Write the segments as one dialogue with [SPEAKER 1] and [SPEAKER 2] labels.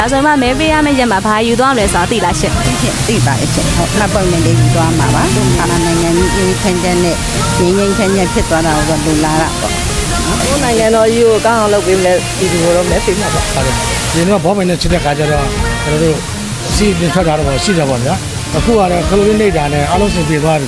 [SPEAKER 1] ဒါဆိုမှမဲပေးရမယ့်ရက်မှာဘာယူသွားမလဲဆိုတာသိလားရှင့်
[SPEAKER 2] သိပါရဲ့ရှင်ဟုတ်မှတ်ပုံနဲ့လေးယူသွားမှာပါနိုင်ငံကြီးအေးချမ်းချမ်းနဲ့ငြိမ်းငြိမ်းချမ်းချမ်းဖြစ်သွားတာကိုလူလာတာပေါ့
[SPEAKER 3] ကိုနိုင်ငံတော်ကြီးကိုကောင်းအောင်လုပ်ပေးမယ်ဒီလိုတော့မဲပေးမှာပါ
[SPEAKER 4] ဟုတ်တယ်ဒီတော့ဘောမင်းနဲ့ချစ်တဲ့ခါကျတော့ကျွန်တော်တို့စီးတင်ထွက်တာတော့ရှိတယ်ပေါ့ဗျာအခုကတော့ခလိုလေးနေတာနဲ့အားလုံးစင်ပြေသွားပြီ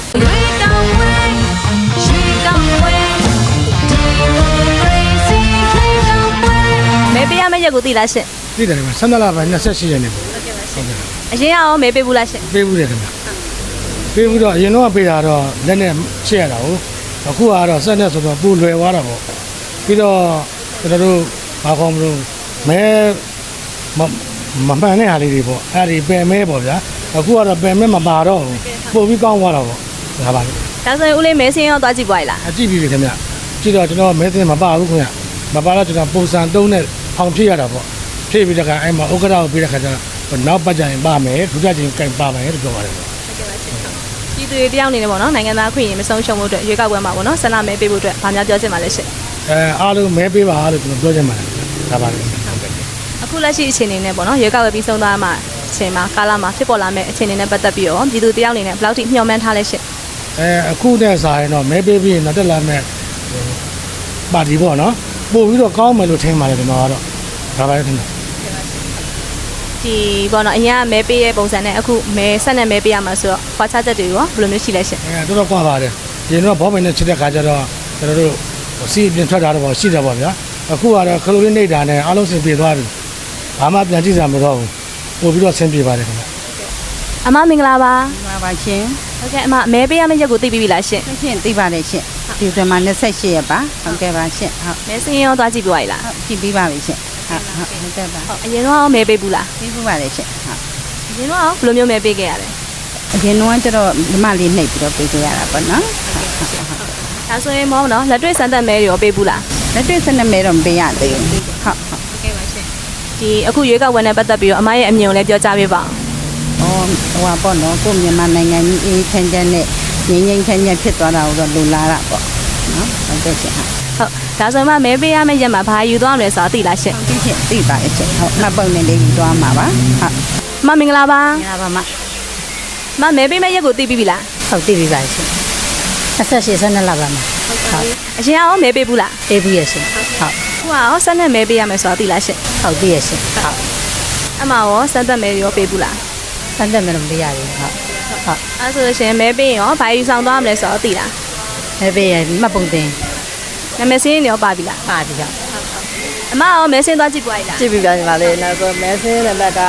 [SPEAKER 1] မဲပေးရမယ့်ရက်ကိုသိလားရှင့်
[SPEAKER 4] သိတယ်ဗျ12လပိုင်း28ရက်နေ့ပေါ့
[SPEAKER 1] ဟုတ်ကဲ့ပါရှင့်အရင်ရောမဲပေးဘူးလားရှင့်
[SPEAKER 4] ပေးဘူးတယ်ခင်ဗျပေးဘူးတော့အရင်တော့ပေးတာတော့လက်နဲ့ချက်ရတာဟုတ်အခုကတော့ဆက်နဲ့ဆိုတော့ပူလွယ်သွားတာပေါ့ပြီးတော့ကျွန်တော်တို့ဘာကောင်းမလို့မဲမမှန်တဲ့ဟာလေးတွေပေါ့အဲ့ဒီပယ်မဲပေါ့ဗျာအခုကတော့ပယ်မဲမပါတော့ဘူးပို့ပြီးကောင်းသွားတာပေါ့ဒါပါလေ
[SPEAKER 1] ဒါဆိုရင်ဦးလေးမဲစင်းရောသွားကြည့်ပွားရလား
[SPEAKER 4] အကြည့်ပြီခင်ဗျကြည့်တော့ကျွန်တော်မဲစင်းမပါဘူးခင်ဗျမပါတော့ကျွန်တော်ပုံစံ3နဲ့ဖောင်ဖြည့်ရတာပေါ့ဖြည့်ပြီးတော့အဲ့မှာဥက္ကဋ္ဌကိုပြီးတဲ့ခါကျတော့နောက်ပတ်ကြရင်ပါမယ်ဒုတိယချိန်ကင်ပါမယ်လို့ပြောပါတယ်ပေါ့
[SPEAKER 1] ပြည်သူတွေတယောက်အနေနဲ့ပေါ့နော်နိုင်ငံသားခွင့်ရင်မဆုံးရှုံးဖို့အတွက်ရွေးကောက်ပွဲမှာပေါ့နော်ဆန္ဒမဲပေးဖို့အတွက်ဗာများပြောချင်ပါလဲရှင့်
[SPEAKER 4] အားလုံးမဲပေးပါလို့ကျွန်တော်ပြောချင်ပါတယ်ဒါပါလေ
[SPEAKER 1] အခုလက်ရှိအခြေအနေနဲ့ပေါ့နော်ရွေးကောက်ပွဲပြီးဆုံးသွားမှအချိန်မှာကာလမှာဖြစ်ပေါ်လာမယ့်အခြေအနေနဲ့ပတ်သက်ပြီးတော့ပြည်သူတယောက်အနေနဲ့ဘယ်လောက်ထိမျှော်မှန်းထားလဲရှင့်
[SPEAKER 4] အခုနဲ့စာရင်တော့မဲပေးပြီးရင်တော့တက်လာမယ့်ပါတီပေါ့နော်ပို့ပြီးတော့ကောင်းမယ်လို့ထင်ပါတယ်ကျွန်တော်ကတော့ဒါပါလေထင်တယ်
[SPEAKER 1] ဒီပေါ့နော်အရင်ကမဲပေးရဲ့ပုံစံနဲ့အခုမဲဆက်နဲ့မဲပေးရမှာဆိုတော့ခွာခြားချက်တွေရောဘယ်လိုမျိုးရှိလဲရှင့်
[SPEAKER 4] တော်တော်ကွာပါတယ်ဒီတော့ဘောမင်းနဲ့ချစ်တဲ့ခါကျတော့ကျွန်တော်တို့စီးတင်ထွက်တာတော့ရှိတယ်ပေါ့ဗျာအခုကတော့ခလိုလေးနေတာနဲ့အားလုံးစင်ပြေသွားပြီဘာမှပြန်ကြည့်စရာမလိုတော့ဘူးပို့ပြီးတော့ဆင်ပြေပါတယ်ခင်ဗျ
[SPEAKER 1] အမမင်္ဂလာပါ
[SPEAKER 2] ပါပါရှင်
[SPEAKER 1] ဟုတ်ကဲ့အမမဲပေးရမယ့်ရက်ကိုသိပြီလားရှင့်
[SPEAKER 2] ရှင့်သိပါတယ်ရှင်ဒီတမှာ28ရက်ပါဟုတ်ကဲ့ပါရှင်ဟုတ်
[SPEAKER 1] မဲစင်းရောသွားကြည့်ပြပါလား
[SPEAKER 2] ဟုတ်ကြည့်ပြီးပါပြီရှင်ဟုတ်ကဲ့ပါ
[SPEAKER 1] အရင်တော့မဲပေးဘူးလား
[SPEAKER 2] ပေးဘူးပါလေရှင်ဟုတ်
[SPEAKER 1] အရင်တော့ဘယ်လိုမျိုးမဲပေးခဲ့ရလဲ
[SPEAKER 2] အရင်တော့ကျတော့ဒီမလေးနှိပ်ပြီးတော့ပေးခဲ့ရတာပေါ့နော်
[SPEAKER 1] ဒါဆိုရင်မောနော်လက်တွေ့စမ်းသပ်မဲတွေရောပေးဘူးလား
[SPEAKER 2] လက်တွေ့စမ်းသပ်မဲတော့မပေးရသေးဘူးဟုတ်
[SPEAKER 1] ကဲ့ပါရှင်ဒီအခုရွေးကောက်ပွဲနဲ့ပတ်သက်ပြီးတော့အမရဲ့အမြင်ကိုလည်းပြောကြားပေးပါ
[SPEAKER 2] အောင်ဟိုပေါ့နော်ကိုမြန်မာနိုင်ငံကြီးအေးချမ်းချမ်းနဲ့ငြိမ်းငြိမ်းချမ်းချမ်းဖြစ်သွားတာကိုတော့လူလာတာပေါ့နော်ဟုတ်ကဲ့ရှင်
[SPEAKER 1] ဟုတ်ဒါဆိုမှမဲပေးရမယ့်ရက်မှာဘာယူသွားမလဲဆိုတာသိလားရှင့်
[SPEAKER 2] သိပါရဲ့ရှင်ဟုတ်မှတ်ပုံနဲ့လေးယူသွားမှာပါဟုတ်
[SPEAKER 1] မင်္ဂလာပါ
[SPEAKER 2] မင်္ဂလာပါ
[SPEAKER 1] မမဲပေးမယ့်ရက်ကိုသိပြီလား
[SPEAKER 2] ဟုတ်သိပြီပါရှင်28 12လပါမှာ
[SPEAKER 1] ဟုတ်အရင်ရောမဲပေးဘူးလား
[SPEAKER 2] ပေးဘူးရဲ့ရှင်ဟုတ်
[SPEAKER 1] ခုရောဆက်နဲ့မဲပေးရမယ်ဆိုတာသိလားရှင့်
[SPEAKER 2] ဟုတ်သိရဲ့ရှင်ဟုတ်
[SPEAKER 1] အမရောစမ်းသက်မဲရောပေးဘူးလား
[SPEAKER 2] စမ်းသက်မဲတော့မပေးရဘူးဟုတ်
[SPEAKER 1] အဲ့ဆိုရှင်မဲပေးရင်ရောဘာယူဆောင်သွားမလဲဆိုတော့သိလား
[SPEAKER 2] မဲပေးရင်မှတ်ပုံတင်
[SPEAKER 1] နာမည်စင်းရောပါပြီလား
[SPEAKER 2] ပါပြီဟုတ်
[SPEAKER 1] အမရောမဲစင်းသွားကြည့်ပွားရလား
[SPEAKER 3] ကြည့်ပြီးပါညီမလေးနောက်ဆိုမဲစင်းနံပါတ်က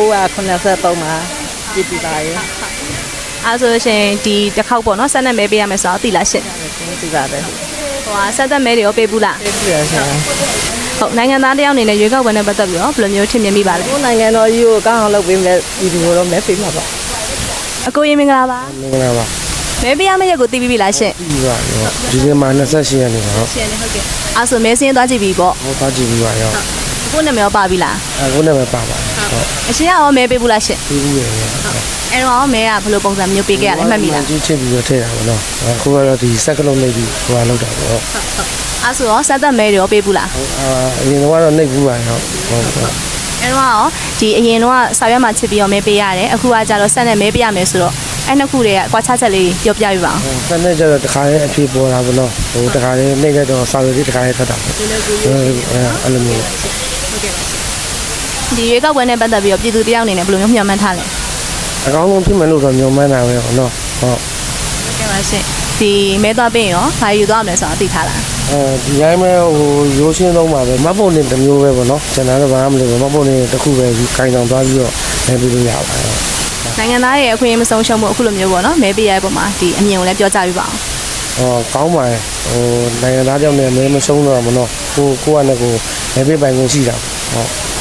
[SPEAKER 3] 983မှာကြည့်ပြီးပါရဲ့
[SPEAKER 1] အဲ့ဆိုရှင်ဒီတစ်ခေါက်ပေါ့နော်ဆက်နဲ့မဲပေးရမယ်ဆိုတော့သိလားရှင့်
[SPEAKER 3] သိပါတယ်
[SPEAKER 1] ဟိုဆက်သက်မဲတွေရောပေးဘူးလား
[SPEAKER 3] ပေးပြီရှင်
[SPEAKER 1] ဟုတ်နိုင်ငံသားတယောက်အနေနဲ့ရွေးကောက်ပွဲနဲ့ပတ်သက်ပြီးတော့ဘယ်လိုမျိုးထင်မြင်မိပါလဲ
[SPEAKER 3] ကိုနိုင်ငံတော်ကြီးကိုကောင်းအောင်လုပ်ပေးမယ်ဒီလိုတော့မဲပေးမှာပါ
[SPEAKER 1] အကိုရင်မင်္ဂလာပါ
[SPEAKER 4] မင်္ဂလာပါ
[SPEAKER 1] မဲပေးရမယ့်ရက်ကိုသိပြီလားရှင့်
[SPEAKER 4] သိပါရောဒီနေ့မှာ28ရက်နေ့ပါဟုတ်
[SPEAKER 1] ရှင်းနေဟုတ်ကဲ့အဲ့ဆိုမဲစင်းသွားကြည့်ပြီပေါ့
[SPEAKER 4] ဟုတ်သွားကြည့်ပြီပါရော
[SPEAKER 1] ကိုနာမည်ရောပါပြီလား
[SPEAKER 4] ကိုနာမည်ပါပါ
[SPEAKER 1] ဟုတ်အရှင်ရောမဲပေးဘူးလားရှင့်
[SPEAKER 4] ပေးဘူးရဲ့
[SPEAKER 1] အဲ့တော့မဲကဘယ်လိုပုံစံမျိုးပေးခဲ့ရလဲမှတ်မိလား
[SPEAKER 4] ကြီးချစ်ပြီးတော့ထည့်တာပေါ့နော်အခုကတော့ဒီစက်ကလုံးနေပြီးဟိုလောက်တာပေါ့
[SPEAKER 1] ဟုတ်အဲ့ဆိုရောစက်သက်မဲတွေရောပေးဘူးလား
[SPEAKER 4] အရင်ကတော့နှိပ်ဘူးပါရောဟုတ်
[SPEAKER 1] အဲ့တော့ဒီအရင်တော့ဆောက်ရွက်မှာချစ်ပြီးတော့မဲပေးရတယ်အခုကကြတော့စက်နဲ့မဲပေးရမယ်ဆိုတော့အဲ့နှစ်ခုတွေကကွာခြားချက်လေးပြောပြပြပါအောင်
[SPEAKER 4] စက်နဲ့ကျတော့တခါလေးအဖြစ်ပေါ်တာပေါ့နော်ဟိုတခါလေးနှိပ်လိုက်တော့ဆောက်ရွက်လေးတခါလေးထွက်တာပေါ့အဲ့လိုမျိုး
[SPEAKER 1] ဟုတ်ကဲ့ပါဒီရွေးကောက်ပွဲနဲ့ပတ်သက်ပြီးတော့ပြည်သူတယောက်အနေနဲ့ဘယ်လိုမျိုးမျှော်မှန်းထားလဲ
[SPEAKER 4] အကောင်းဆုံးဖြစ်မယ်လို့တော့မျှော်မှန်းတာပဲပေါ့နော်ဟုတ်
[SPEAKER 1] ကဲ့ပါရှင်ဒီမဲသွားပြင်ရောဘာယူသွားမလဲဆိုတာသိထားလား
[SPEAKER 4] ဒီတိုင်းပဲဟိုရိုးရှင်းဆုံးပါပဲမတ်ပုံနေတစ်မျိုးပဲပေါ့နော်ကျွန်တော်တော့ဘာမှမလုပ်ဘူးမတ်ပုံနေတစ်ခုပဲခိုင်ဆောင်သွားပြီးတော့မဲပေးလို့ရပါတယ်
[SPEAKER 1] နိုင်ငံသားရဲ့အခွင့်အရေးမဆုံးရှုံးမှုအခုလိုမျိုးပေါ့နော်မဲပေးရတဲ့ပုံမှာဒီအမြင်ကိုလည်းပြောကြပြပါ
[SPEAKER 4] အောင်ကောင်းပါတယ်ဟိုနိုင်ငံသားကြောင့်လည်းမဲမဆုံးတော့မနော်ကိုကလည်းကိုမဲပေးပိုင်ခွင့်ရှိတာဟုတ်